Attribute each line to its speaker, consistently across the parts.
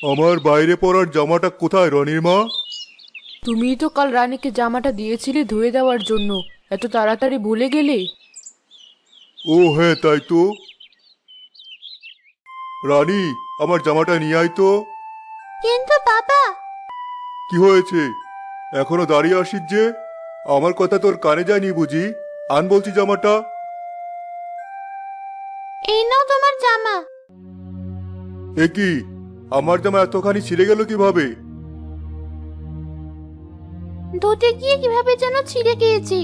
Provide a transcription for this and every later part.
Speaker 1: আমার বাইরে পরার জামাটা কোথায় রনির মা?
Speaker 2: তুমিই তো কাল রানীকে জামাটা দিয়েছিলে ধুয়ে দেওয়ার জন্য, এত তাড়াতাড়ি ভুলে গেলে?
Speaker 1: ও হ্যাঁ, তাই তো। রানী, আমার জামাটা নিয়ে আয় তো।
Speaker 3: কিন্তু বাবা।
Speaker 1: কি হয়েছে? এখনো দাঁড়িয়ে আসিস যে? আমার কথা তোর কানে যায়নি বুঝি? আন বলছি জামাটা।
Speaker 3: এই নাও তোমার জামা।
Speaker 1: এ কি, আমার জামা এতখানি ছিঁড়ে গেল কিভাবে?
Speaker 3: ধুতে গিয়ে কিভাবে যেন ছিঁড়ে গিয়েছে।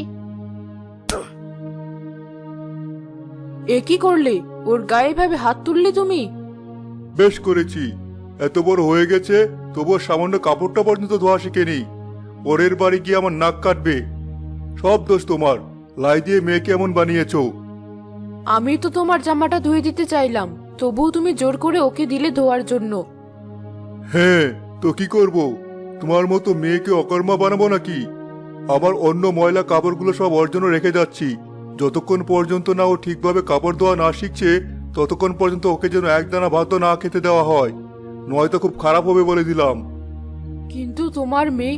Speaker 2: এ কি করলে? ওর গায়ে ভাবে হাত তুললে তুমি?
Speaker 1: বেশ করেছি। এত বড় হয়ে গেছে, তবুও সামান্য কাপড়টা পর্যন্ত ধোয়া শিখেনি। পরের বাড়ি গিয়ে আমার নাক কাটবে। সব দোষ তোমার। লাই দিয়ে মেয়েকে এমন বানিয়েছো।
Speaker 2: আমি তো তোমার জামাটা ধুয়ে দিতে চাইলাম, তবুও তুমি জোর করে ওকে দিলে ধোয়ার জন্য।
Speaker 1: হ্যাঁ, তো কি করব? তোমার মতো মেয়েকে অকর্মা বানাবো নাকি? আমার অন্য ময়লা কাপড়গুলো সব ওর জন্য রেখে যাচ্ছি। যতক্ষণ পর্যন্ত না ও ঠিকভাবে কাপড় ধোয়া না শিখছে, ততক্ষণ পর্যন্ত ওকে যেন একদানা ভাতও না খেতে দেওয়া হয়, নয়তো খুব খারাপ হবে বলে দিলাম।
Speaker 2: কিন্তু তোমার মেয়ে।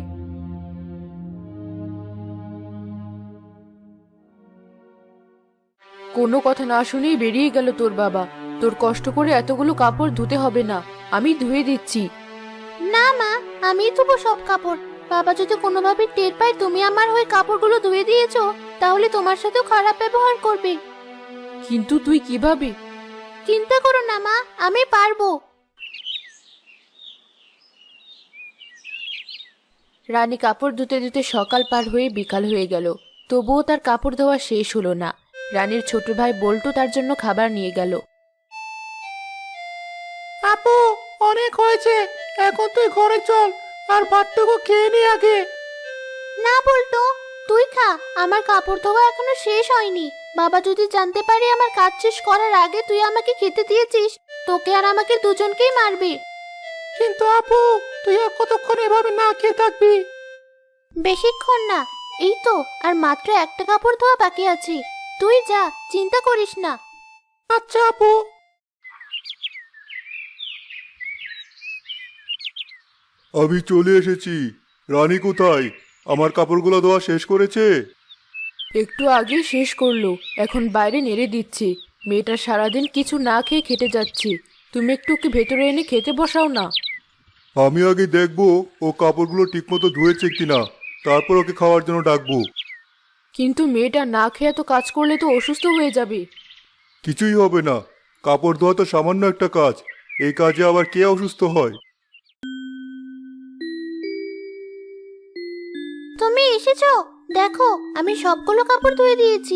Speaker 2: কোনো কথা না শুনেই বেরিয়ে গেল তোর বাবা। তোর কষ্ট করে এতগুলো কাপড় ধুতে হবে না, আমি ধুয়ে দিচ্ছি।
Speaker 3: না মা, আমি ধুবো সব কাপড়। বাবা যদি কোনোভাবে টের পায় তুমি আমার হয়ে কাপড়গুলো ধুয়ে দিয়েছো, তাহলে তোমার সাথেও খারাপ ব্যবহার করবে।
Speaker 2: কিন্তু তুই কিভাবে?
Speaker 3: চিন্তা করো না মা, আমি পারবো।
Speaker 2: রানী কাপড় ধুতে ধুতে সকাল পার হয়ে বিকাল হয়ে গেল, তবুও তার কাপড় ধোয়া শেষ হলো না। রানীর ছোট ভাই বল্টু তার জন্য খাবার নিয়ে গেল।
Speaker 4: আপু, অনেক হয়েছে, এখন তুই ঘরে চল, আর ভাতটুকু খেয়ে নি আগে।
Speaker 3: না বলতো, তুই খা, আমার কাপড় ধোয়া এখনো শেষ হয়নি। বাবা যদি জানতে পারে আমার কাজ শেষ করার আগে তুই আমাকে খেতে দিয়েছিস, তোকে আর আমাকে দুজনকেই মারবে।
Speaker 4: কিন্তু আপু, তুই আর কতক্ষণ এভাবে না খেয়ে থাকবি?
Speaker 3: বেশিক্ষণ না, এই তো আর মাত্র একটা কাপড় ধোয়া বাকি আছে। তুই যা, চিন্তা করিস না।
Speaker 4: আচ্ছা আপু।
Speaker 1: আমি চলে এসেছি। রানী কোথায়? আমার কাপড়গুলো ধোয়া শেষ করেছে?
Speaker 2: একটু আগে শেষ করলো, এখন বাইরে নেড়ে দিচ্ছে। মেয়েটা সারাদিন কিছু না খেয়ে খেটে যাচ্ছে, তুমি একটু ওকে ভেতরে এনে খেতে বসাও না।
Speaker 1: আমি আগে দেখবো ও কাপড়গুলো ঠিকমতো ধুয়েছে কিনা, তারপর ওকে খাওয়ার জন্য ডাকবো।
Speaker 2: কিন্তু মেয়েটা না খেয়ে এত কাজ করলে তো অসুস্থ হয়ে যাবে।
Speaker 1: কিছুই হবে না। কাপড় ধোয়া তো সামান্য একটা কাজ, এই কাজে আবার কে অসুস্থ হয়?
Speaker 3: তুমি এসেছো, দেখো আমি সবগুলো কাপড় ধুয়ে দিয়েছি।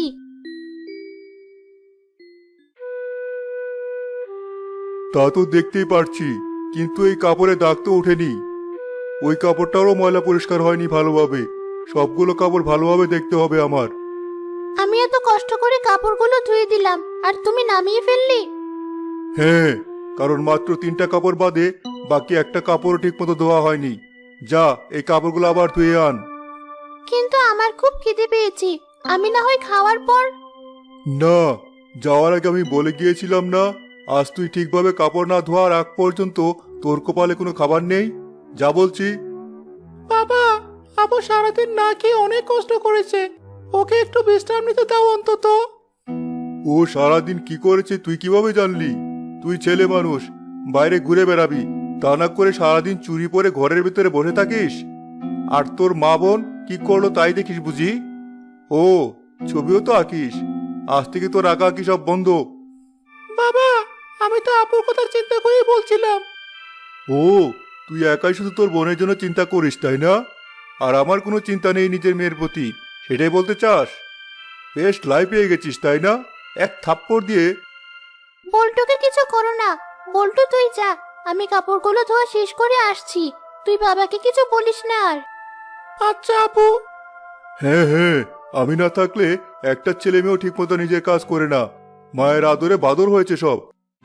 Speaker 1: তা তো দেখতেই পারছি, কিন্তু এই কাপড়ে দাগ তো ওঠেনি। ওই কাপড়টারও ময়লা পরিষ্কার হয়নি ভালোভাবে। সবগুলো কাপড় ভালোভাবে দেখতে হবে আমার।
Speaker 3: আমি এত কষ্ট করে কাপড়গুলো ধুয়ে দিলাম, আর তুমি নামিয়ে ফেললে।
Speaker 1: হ্যাঁ, কারণ মাত্র 3টা কাপড় বাদে বাকি একটা কাপড়ও ঠিকমতো ধোয়া হয়নি। যা, এই কাপড়গুলো আবার ধুয়ে আন।
Speaker 3: কিন্তু আমার খুব খিদে পেয়েছে, আমি না হয় খাওয়ার পর।
Speaker 1: না, যাওয়ার আগে আমি বলে গিয়েছিলাম না, আজ তুই ঠিকভাবে কাপড় না ধোয়ার আগ পর্যন্ত তোর কপালে কোনো খাবার নেই। যা বলছি।
Speaker 4: বাবা, আপু সারাদিন না খেয়ে অনেক কষ্ট করেছে, ওকে একটু বিশ্রাম নিতে দাও অন্তত।
Speaker 1: ও সারাদিন কি করেছে তুই কিভাবে জানলি? তুই ছেলে মানুষ, বাইরে ঘুরে বেড়াবি, তা না করে সারাদিন চুরি পরে ঘরের ভিতরে বসে থাকিস। আর তোর মা বোন কি করলো তাই দেখিস বুঝি? ও, ছবিও তো আঁকিস। আজ থেকে তোর আঁকা আঁকি সব বন্ধ।
Speaker 4: বাবা, আমি তো আপুর কথা চিন্তা করেই বলছিলাম।
Speaker 1: ও, তুই একাই শুধু তোর বোনের জন্য চিন্তা করিস তাই না? আর আমার কোনো চিন্তা নেই নিজের মেয়ের প্রতি, সেটাই বলতে চাস? বেশ লাই পেয়ে গেছিস তাই না? এক থাপ্পড় দিয়ে।
Speaker 3: বল্টুকে কিছু করো না। বল্টু তুই যা, আমি কাপড়গুলো ধোয়া শেষ করে আসছি। তুই বাবাকে কিছু বলিস না আর।
Speaker 4: আচ্ছা আপু।
Speaker 1: হ্যাঁ হ্যাঁ, আমি না থাকলে একটা ছেলে মেয়েও ঠিক মতো নিজের কাজ করে না। মায়ের আদরে বাদর হয়েছে সব।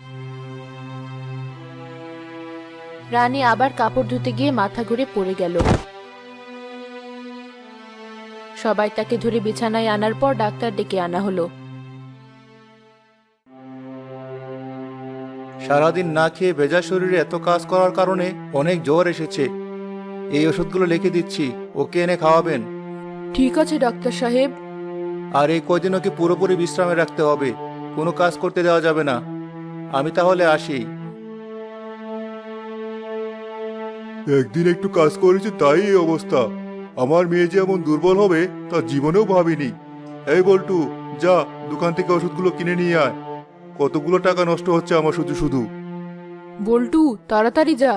Speaker 2: রানী আবার কাপড় ধুতে গিয়ে মাথা ঘুরে পড়ে গেল। সবাই তাকে ধরে বিছানায় আনার পর ডাক্তার ডেকে আনা হলো।
Speaker 1: সারাদিন না খেয়ে ভেজা শরীরে এত কাজ করার কারণে অনেক জ্বর এসেছে। এই ওষুধগুলো লিখে দিচ্ছি, ওকে এনে খাওয়াবেন।
Speaker 2: ঠিক আছে ডাক্তার সাহেব।
Speaker 1: আর এই কয়দিন ওকে পুরোপুরি বিশ্রামে রাখতে হবে, কোনো কাজ করতে দেওয়া যাবে না। আমি তাহলে আসি। একদিন একটু কাজ করেছি তাই এই অবস্থা। আমার মেয়ে যে এমন দুর্বল হবে তা জীবনেও ভাবিনি। এই বল্টু, যা দোকান থেকে ওষুধগুলো কিনে নিয়ে আয়। কতগুলো টাকা নষ্ট হচ্ছে আমার শুধু শুধু।
Speaker 2: বল্টু, তাড়াতাড়ি যা।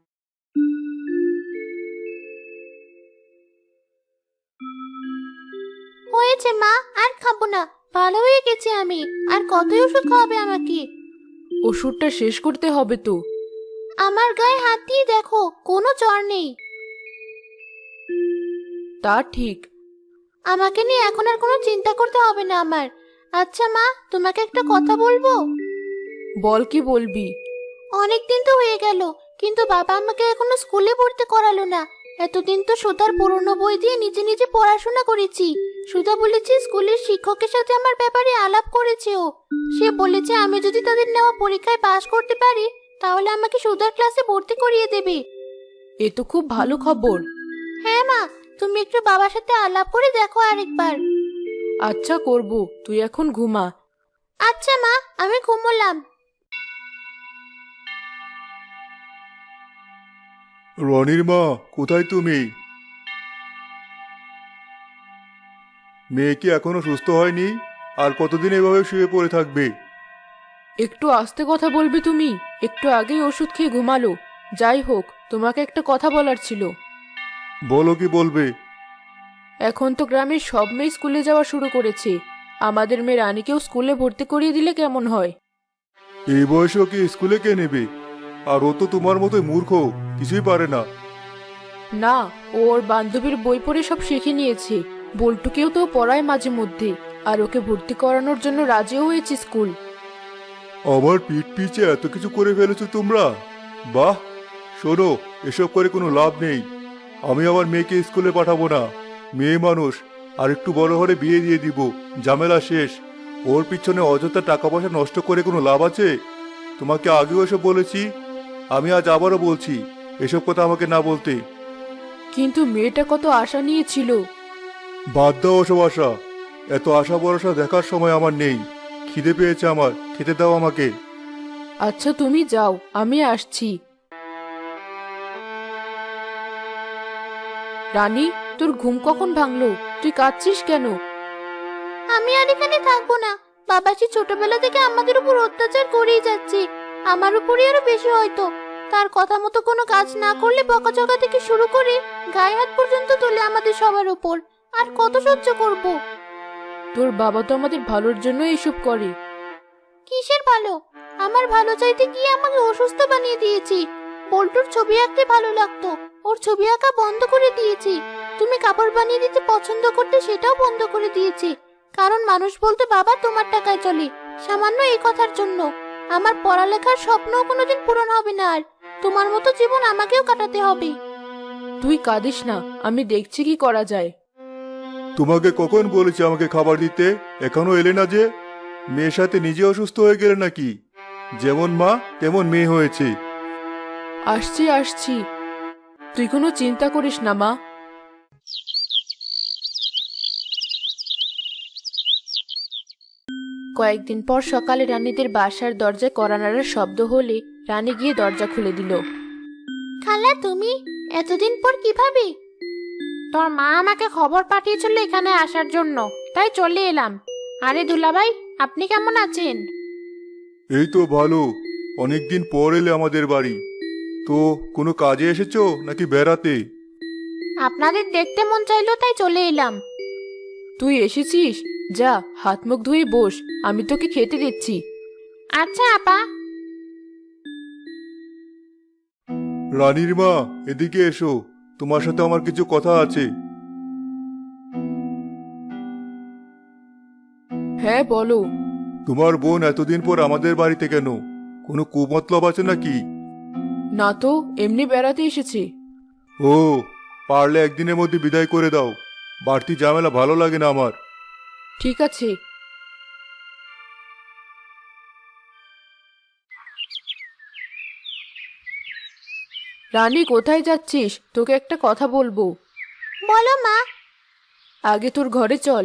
Speaker 3: হয়েছে মা, আর খাবো না, ভালো হয়ে গেছে আমি। আর কতই ওষুধ খাওয়াবে আমাকে?
Speaker 2: ওষুধটা শেষ করতে হবে তো।
Speaker 3: আমার গায়ে হাত দিয়ে দেখো, কোনো জ্বর নেই।
Speaker 2: তা ঠিক।
Speaker 3: আমাকে নিয়ে এখন আর কোনো চিন্তা করতে হবে না আমার। আচ্ছা মা, তোমাকে একটা কথা বলবো?
Speaker 2: বল, কি বলবি?
Speaker 3: অনেক দিন তো হয়ে গেল, কিন্তু বাবা আমাকে এখনো স্কুলে ভর্তি করালো না। এতদিন তো সুধার পুরনো বই দিয়ে নিজে নিজে পড়াশোনা করেছি। সুধা বলেছে স্কুলের শিক্ষকের সাথে আমার ব্যাপারে আলাপ করেছে ও। সে বলেছে আমি যদি তাদের নেওয়া পরীক্ষায় পাশ করতে পারি তাহলে আমাকে সুধার ক্লাসে ভর্তি করিয়ে দেবে।
Speaker 2: এ তো খুব ভালো খবর।
Speaker 3: হ্যাঁ মা, তুমি একটু বাবার সাথে আলাপ করে দেখো আরেকবার।
Speaker 2: আচ্ছা, করব। তুই এখন ঘুমা।
Speaker 3: আচ্ছা মা, আমি ঘুমোলাম।
Speaker 1: রনির মা, কোথায় তুমি? মেয়ে কি এখনো সুস্থ হয়নি? আর কতদিন এভাবে শুয়ে পড়ে থাকবে?
Speaker 2: একটু আস্তে কথা বলবি তুমি? একটু আগেই ওষুধ খেয়ে ঘুমালো। যাই হোক, তোমাকে একটা কথা বলার ছিল।
Speaker 1: বলো, কি বলবে?
Speaker 2: এখন তো গ্রামের সব মেয়ে স্কুলে যাওয়া শুরু করেছে। আমাদের মেয়ে রানীকেও স্কুলে ভর্তি করিয়ে দিলে কেমন হয়?
Speaker 1: এই বয়সে ওকে স্কুলে কে নেবে? আর ও তো তোমার মতোই মূর্খ, কিছুই পারে না।
Speaker 2: না, ও ওর বান্ধবীর বই পড়ে সব শিখে নিয়েছে। বল্টুকেও তো পড়ায় মাঝে মধ্যে। আর ওকে ভর্তি করানোর জন্য রাজিও হয়েছে স্কুল।
Speaker 1: আমার পিঠ পিছে এত কিছু করে ফেলেছো তোমরা। বাহ! শোনো, এসব করে কোনো লাভ নেই। আমি আমার মেয়েকে স্কুলে পাঠাবো না। মেয়ে মানুষ, আর একটু বড় হলে বিয়ে দিয়ে দিব, ঝামেলা শেষ। ওর পিছনে অযথা টাকা পয়সা নষ্ট করে কোনো লাভ আছে? তোমাকে আগেও এসব বলেছি, আমি আজ আবারও বলছি, এসব কথা আমাকে না বলতে।
Speaker 2: কিন্তু মেয়েটা কত আশা নিয়েছিল।
Speaker 1: বাদ দাও ওসব আশা। এত আশা ভরসা দেখার সময় আমার নেই। খিদে পেয়েছে আমার, খেতে দাও আমাকে।
Speaker 2: আচ্ছা, তুমি যাও, আমি আসছি। রানী, তোর ঘুম কখন ভাঙলো? তুই কাঁদছিস কেন?
Speaker 3: আমি আর এখানে থাকবো না। বাবা সে ছোটবেলা থেকে আমাদের উপর অত্যাচার করেই যাচ্ছে। আমার উপরই আরো বেশি হয়তো। তার কথা মতো কোনো কাজ না করলে বকাঝকা থেকে শুরু করে গায়ে হাত পর্যন্ত তোলে আমাদের সবার উপর। আর কত সহ্য করব?
Speaker 2: তোর বাবা তো আমাদের ভালোর জন্য এইসব করে।
Speaker 3: কিসের ভালো? আমার ভালো চাইতে গিয়ে আমাকে অসুস্থ বানিয়ে দিয়েছি। বল্টুর ছবি আঁকতে ভালো লাগতো, ওর ছবি আঁকা বন্ধ করে দিয়েছি। তুমি কাপড় বানিয়ে দিতে পছন্দ করতে, সেটাও বন্ধ করে দিয়েছি। কারণ মানুষ বলতে বাবা তোমার টাকায় চলে। সামান্য এই কথার জন্য আমার পড়ালেখার স্বপ্নও কোনোদিন পূরণ হবে না। আর তোমার মতো জীবন আমাকেও কাটাতে হবে।
Speaker 2: তুই কাঁদিস না, আমি দেখছি কি করা যায়।
Speaker 1: তোমাকে কখন বলেছি আমাকে খাবার দিতে? এখনো এলে না যে? মেয়ের সাথে নিজে অসুস্থ হয়ে গেলে নাকি? যেমন মা তেমন মেয়ে হয়েছে।
Speaker 2: আসছি আসছি, তুই কোনো চিন্তা করিস না মা। কয়েকদিন পর সকালে রানীদের বাসার দরজায় কড়া নাড়ার শব্দ হলে রানী গিয়ে দরজা খুলে দিল।
Speaker 3: খালা, তুমি এতদিন পর কিভাবে? তোর মা আমাকে খবর পাঠিয়েছিল এখানে আসার জন্য, তাই চলে এলাম। আরে দুলাভাই, আপনি কেমন আছেন?
Speaker 1: এই তো ভালো। অনেকদিন পর এলে আমাদের বাড়ি। তো কোনো কাজে এসেছো নাকি বেড়াতে?
Speaker 3: আপনাদের দেখতে মন চাইলো তাই চলে এলাম।
Speaker 2: তুই এসেছিস? যা, হাত মুখ ধুয়ে বস, আমি তোকে খেতে দিচ্ছি।
Speaker 3: আচ্ছা আপা।
Speaker 1: রানীর মা, এদিকে এসো, তোমার সাথে আমার কিছু কথা আছে।
Speaker 2: হ্যাঁ, বলো।
Speaker 1: তোমার বোন এতদিন পর আমাদের বাড়িতে কেন? কোনো কুমতলব আছে নাকি?
Speaker 2: না তো, এমনি বেড়াতে এসেছি।
Speaker 1: ও, পারলে একদিনের মধ্যে বিদায় করে দাও। বাড়তি ঝামেলা ভালো লাগে না আমার।
Speaker 2: ঠিক আছে। রানী, কোথায় যাচ্ছিস? তোকে একটা কথা বলবো।
Speaker 3: বলো মা।
Speaker 2: আগে তোর ঘরে চল।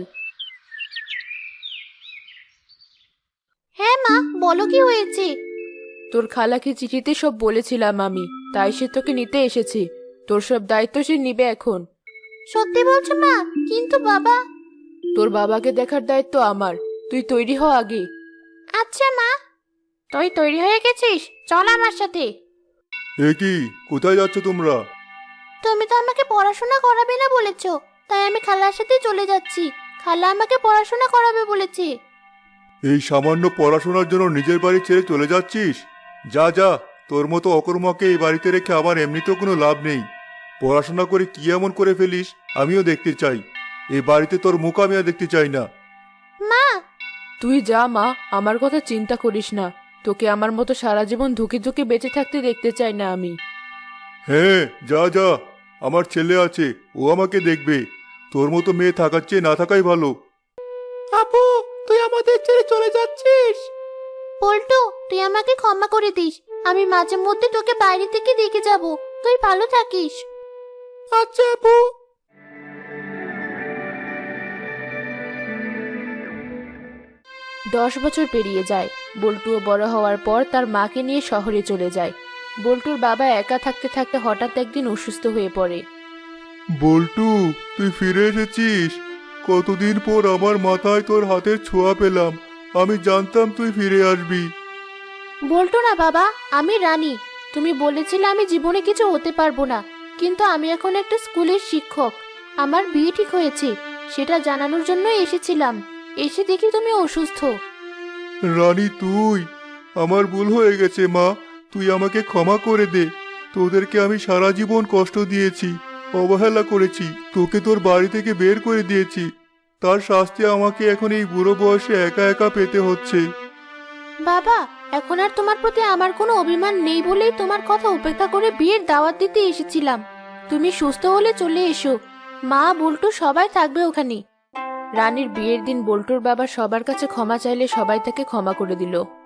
Speaker 3: হ্যাঁ মা, বলো কি হয়েছে?
Speaker 2: তোর খালাকে চিঠিতে সব বলেছিলাম আমি, তাই সে তোকে নিতে এসেছে। তোর সব দায়িত্ব সে নিবে এখন।
Speaker 3: সত্যি বলছো মা? কিন্তু বাবা।
Speaker 2: তোর বাবাকে দেখার দায়িত্ব আমার। তুই তৈরি হ আগে।
Speaker 3: আচ্ছা মা। তুই তৈরি হয়ে গেছিস? চল আমার সাথে।
Speaker 1: এ কি, কোথায় যাচ্ছ তোমরা?
Speaker 3: তুমি তো আমাকে পড়াশোনা করাবে না বলেছো, তাই আমি খালার সাথে চলে যাচ্ছি। খালা আমাকে পড়াশোনা করাবে বলেছে।
Speaker 1: এই সামান্য পড়াশোনার জন্য নিজের বাড়ি ছেড়ে চলে যাচ্ছিস? যা যা, তোর মতো অকর্মাকে এই বাড়িতে রেখে আমার এমনিতেও কোনো লাভ নেই। পড়াশোনা করে কি এমন করে ফেলিস আমিও দেখতে চাই। এই বাড়িতে তোর মুখ আমি আর দেখতে চাই না।
Speaker 3: মা।
Speaker 2: তুই যা মা, আমার কথা চিন্তা করিস না। তোকে আমার মতো সারা জীবন ধুকে ধুকে বেঁচে থাকতে দেখতে চাই না আমি।
Speaker 1: হ্যাঁ, যা যা, আমার ছেলে আছে, ও আমাকে দেখবে। তোর মতো মেয়ে থাকার চেয়ে না থাকাই ভালো।
Speaker 4: আপু, তুই আমাদের ছেড়ে চলে যাচ্ছিস?
Speaker 3: পল্টু, তুই আমাকে ক্ষমা করে দিস। আমি মাঝে মধ্যে তোকে বাইরে থেকে দেখে যাব। তুই ভালো থাকিস।
Speaker 4: আচ্ছা আপু।
Speaker 2: 10 বছর পেরিয়ে যায়। বল্টুও বড় হওয়ার পর তার মাকে নিয়ে শহরে চলে যায়। বল্টুর বাবা একা থাকতে থাকতে হঠাৎ একদিন অসুস্থ হয়ে পড়ে।
Speaker 1: বল্টু, তুই ফিরে এসেছিস। কতদিন পর আমার মাথায় তোর হাতের ছোঁয়া পেলাম। আমি জানতাম তুই ফিরে আসবি।
Speaker 3: বল্টু না বাবা, আমি রানী। তুমি বলেছিলে আমি জীবনে কিছু হতে পারবো না, কিন্তু আমি এখন একটা স্কুলের শিক্ষক। আমার বিয়ে ঠিক হয়েছে, সেটা জানানোর জন্য এসেছিলাম। এসে দেখি তুমি অসুস্থ।
Speaker 1: রানী তুই, আমার ভুল হয়ে গেছে মা। তুই আমাকে ক্ষমা করে দে। তোদেরকে আমি সারা জীবন কষ্ট দিয়েছি, অবহেলা করেছি, তোকে তোর বাড়ি থেকে বের করে দিয়েছি। তার শাস্তি আমাকে এখন এই বুড়ো বয়সে একা একা পেতে হচ্ছে।
Speaker 3: বাবা, এখন আর তোমার প্রতি আমার কোনো অভিমান নেই বলেই তোমার কথা উপেক্ষা করে বিয়ের দাওয়াত দিতে এসেছিলাম। তুমি সুস্থ হলে চলে এসো। মা, বল্টু সবাই থাকবে ওখানে।
Speaker 2: রানীর বিয়ের দিন বল্টুর বাবা সবার কাছে ক্ষমা চাইলে সবাই তাকে ক্ষমা করে দিল।